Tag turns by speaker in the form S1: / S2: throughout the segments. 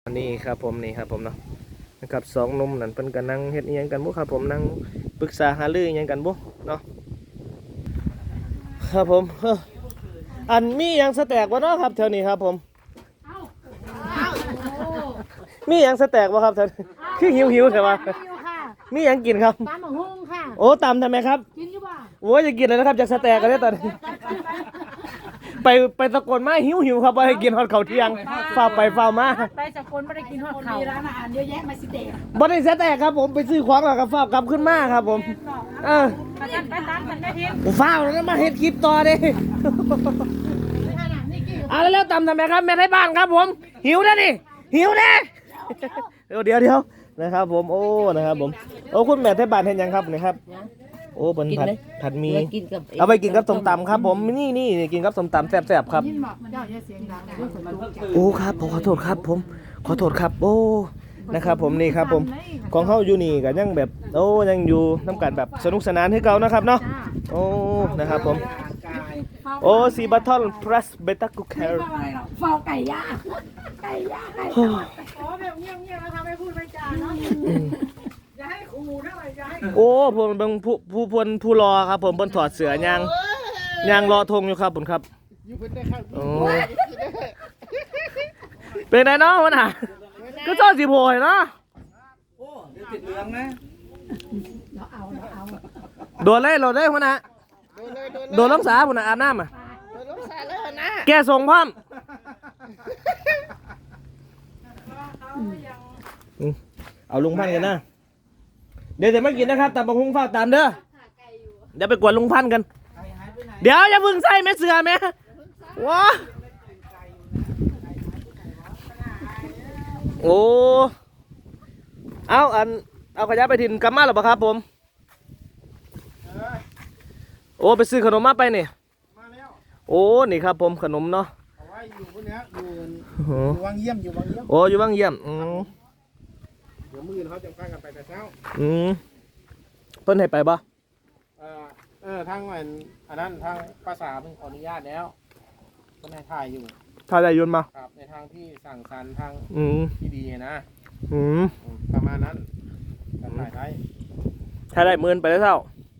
S1: อันนี้ครับผมนี่ครับผมเนาะนะครับสองหนุ่มนั่นเพิ่นก็นั่งเฮ็ดอิหยังกันบ่ครับผมนั่งปรึกษาหารืออิหยังกันบ่เนาะครับผมอันมีหยังสแต็กบ่เนาะครับแถวนี้ครับผมมีหยังสแต็กบ่ครับแถวนี้คือหิวใช่ป่ะมีหยังกินครับ
S2: ตำบักหุ่งค่ะ
S1: โอ้ตำทำไมครับ
S2: กินอยู่บ่
S1: โอ้ยจะกินเลยนะครับจากสแต็กกันได้ตอนนี้ไปตะโกนมาหิวครับว่าให้กินฮอดข้าวเที่ยงฝ้าไปฝ้ามา
S2: ไปจากคนไม่ได้กินฮอดข้าวมีร้านอาหารเยอะแยะมาสิเดะ
S1: บ่ได้สแต็กครับผมไปซื้อของแล้วก็ฝ้ากลับขึ้นมาครับผม
S2: ไปตามกันได้ที
S1: ฝ้าแล้วมาเฮ็ดคลิปต่อดิแล้วตำทำไมครับแม่ไทยบ้านครับผมหิวนะดิหิวนะเดี๋ยวนะครับผมโอ้นะครับผมโอ้คุณแม่ไทยบ้านเห็นยังครับนี่ครับโอ้เป็นผัดมีเอาไปกินกับส้มตำครับผมนี่กินกับส้มตำแซ่บๆครับโอ้ครับผมขอโทษครับผมขอโทษครับโอ้นะครับผมนี่ครับผมของเขาอยู่นี่กันยังแบบโอ้ยังอยู่น้ำกันแบบสนุกสนานให้เก่านะครับเนาะโอ้นะครับผมโอ้ซีบัตทอนพลัสเบต้ากูแคร์
S2: ฟาวไก่ย่างขอแบบเงียบๆแล้วทำให้พูดไม่จาเนาะอย่าให้ขู่เท่าไหร่อย่าให้
S1: โอ้ผมเป็นผู้รอครับผมบนถอดเสื้อยางรอธงอยู่ครับผมครับโอ้เป็นไงเนาะวันน่ะก็ชอบสีโพยเนาะ
S3: โอ้เดี๋ยวติดเหลืองนะ
S2: เราเอา
S1: โดนเลยวันน่ะโดนล้องสาผมน่ะอาบน้ำอ่ะแกส่งพร้อมเอาลุงพันกันนะเดี๋ยวจะไม่กินนะครับแต่บางคงฝากตามเด้อเดี๋ยวไปกวนลุงพันกันเดี๋ยวอย่าพึ่งใส่แม่เสือแม่ว้าโอ้เอาขยะไปถิ่นกำมาหรือเปล่าครับผมโอ้ไปซื้อขนมมาไปนี่โอ้นี่ครับผมขนมเนาะ
S3: เอาไว้อยู่พวกนี้อยู่วังเยี่ยม
S1: โอ้อยู่วังเยี่ยม
S3: เดี๋ยวมื้อเขาจะพากันไปแต่เช้า
S1: เพิ่นให้ไปบ่
S3: ทางอันนั้นทางภาษาเพิ่งขออนุญาตแล้วเพิ่นให้ถ่ายอยู่
S1: ถ่ายได้ยนต์มา
S3: ครับในทางที่สั่งสรรค์ทางที่ดีนะประมาณนั้นถ่ายได้
S1: ถ่ายได้หมื่นไปแล้วเท่า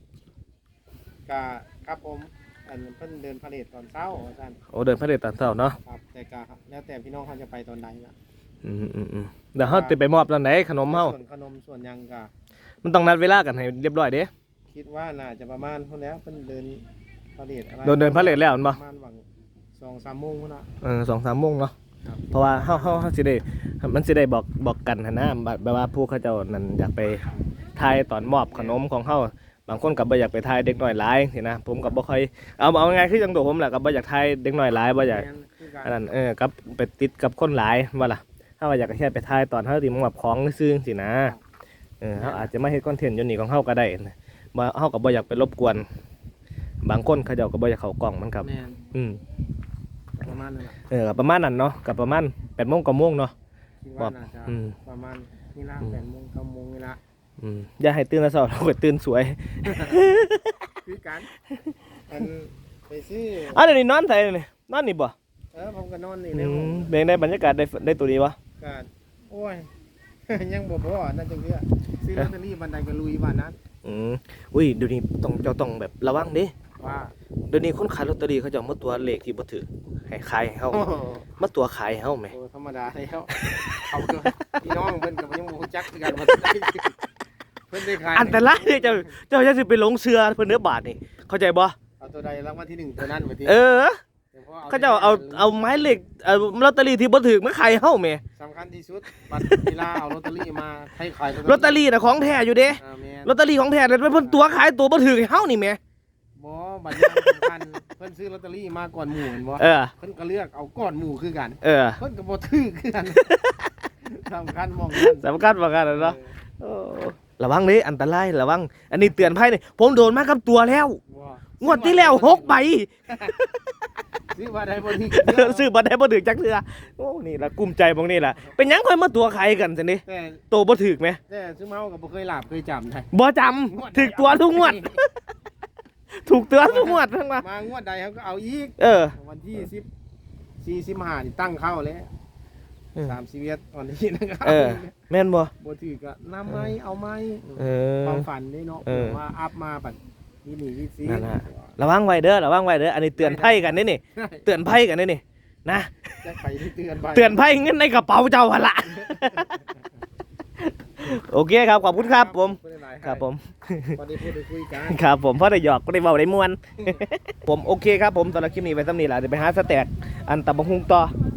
S3: ครับผมเพิ่นเดินพาเหรดตอนเช้าอาจารย์
S1: โอ้เดินพาเหรดตอนเช้าเนาะ
S3: ครับแต่แล้วแต่พี่น้องเขาจะไปตอนไหนล่ะ
S1: เดี๋ยวเขาจะไปมอบตอนไหนขนมเฮา
S3: ส่วนขนมส่วนยัง
S1: มันต้องนัดเวลากันให้เรียบร้อยเด้
S3: คิดว่าน่าจะประมาณเท่าแล้วเพิ่นเดินพาเหรดอะไร
S1: เดินพาเหรดแล้วมั้ย
S3: ประมาณหวัง 2-3 โมงพุ่นน่ะ
S1: 2-3 โมงเนาะเพราะว่าเฮาสิได้มันสิได้บอกกันนะแบบว่าผู้เขาเจ้านั่นอยากไปถ่ายตอนมอบขนมของเฮาบางคนก็บ่อยากไปถ่ายเด็กน้อยหลายสินะผมก็บ่ค่อยเอาไงคือจังโดผมแหละก็บ่อยากถ่ายเด็กน้อยหลายบ่อยากอันนั้นกับไปติดกับคนหลายว่าล่ะถ้าว่าอยากแค่ไปถ่ายตอนเฮาสิมอบของซื่อสินะเฮาอาจจะมาเฮ็ดคอนเทนต์อยู่นี่ของเฮาก็ได้บ่เฮาก็บ่อยากไปรบกวนบางคนเขาเจ้าก็บ่อยากเข้ากล้องมันครับ
S3: ประมาณนั้น
S1: ประมาณนั้นเนาะกับประมาณ8 โมง 9 โมงเนาะ
S3: ประมาณนี่ละ8 โมง 9 โมงนี่ละ
S1: อย่าให้ตื่นแล้วเช้าเราก็ตื่นสวย
S3: คือกันไปซื้
S1: อเดี๋ยวนี้นอนไสนี่นอนนี่บ่
S3: ผมก็นอนนี่แล้ว
S1: เป็นได้บรรยากาศได้ตัวดีบ่
S3: ก็โอ้ยยังบ่พอนั่นจังซี่ซื้อลอตเตอรี่บันไดก็ลุยบ้านนั้น
S1: อุ้ยเดี๋ยวนี้ต้องแบบระวังดิ
S3: ว่า
S1: เดี๋ยวนี้คนขายลอตเตอรี่เขาจะมาตัวเลขที่บ่ถูกให้ขายให้เฮามาตัวขายให้เฮาแหม
S3: ธรรมดาแล้วเอาเถอะพี่น้องเพิ่นก็ยังบ่รู้จักคือกันว่าเพิ่นได้ขาย
S1: อันตรายเจ้าจะสิไปหลงเชื่อเพิ่นเด้อบาทนี่เข้าใจบ่
S3: เอาตัวใดรางวัลที่1ตัวนั้นบ่ติ
S1: เขาเจ้าเอาไม้เหล็กลอตเตอรี่ที่บ่ถูกมาขายเฮาแหม
S3: สำคัญที่สุดบัตรเวลาเอาลอตเตอรี่มาให้ขาย
S1: ลอตเตอรี่น่ะของแท้อยู่เด้ลอตเตอรี่ของแท้แต่เพิ่นตัวขายตัวบ่ถูกให้เฮานี่แหม
S3: บ่บัตรสำคัญเพิ่นซื้อลอตเตอรี่มาก่อนหมู่เห็นบ่เพิ่นก็เลือกเอาก่อนหมู่คือกันเพิ่นก็บ่ถูกคือกันสำคัญมองกัน
S1: สำคัญว่ากันเนาะระวังดิอันตรายระวังอันนี้เตือนภัยนี่ผมโดนมากับตัวแล้วงวดที่แล้ว6 ใบ
S3: ซื้อบัตรได้บ่ถูก
S1: ซื้อบัตรได้บ่ถูกจักเทื่อโอ้นี่ล่ะกุมใจบ่งนี่ล่ะเป็นหยังค่อยมาตัวใครกันซั่นนี่โตบ่ถูกแหม
S3: แต่ซื้อเมาก็บ่เคยหลับเคยจำได้
S1: บ่จำถูกตัวทุกงวดถูกตัวทุกงวดทั้ง
S3: มางวดใดเขาก็เอาอีกวันที่15นี่ตั้งเข้าแล้ว 3ชีวิตตอนนี้นะครับ
S1: แม่นบ่
S3: บ่ถือก็นำไม้เอาไม้
S1: อ
S3: ความฝันนี่เนาะว่าอัพมาบัดนี่นี่สิ
S1: นั่นน่ะระวังไว้เด้อระวังไว้เด้ออันนี้เตือนภัยกันนี่เตือนภัยกันนี่นะ
S3: จะไปเตือนไป
S1: เตือนภัยเงินในกระเป๋าเจ้าหั่นล่ะ โอเคครับขอบคุณครับผมครับผม
S3: พอได้พูดได้คุยกัน
S1: ครับผมเพราะได้หยอกก็ได้เบาได้ม่วน ผมโอเคครับผมตอนนี้คลิปนี้ไปซ้ำนี้แหละเดี๋ยวไปหาสแต็กอันตับบังฮุงต่อ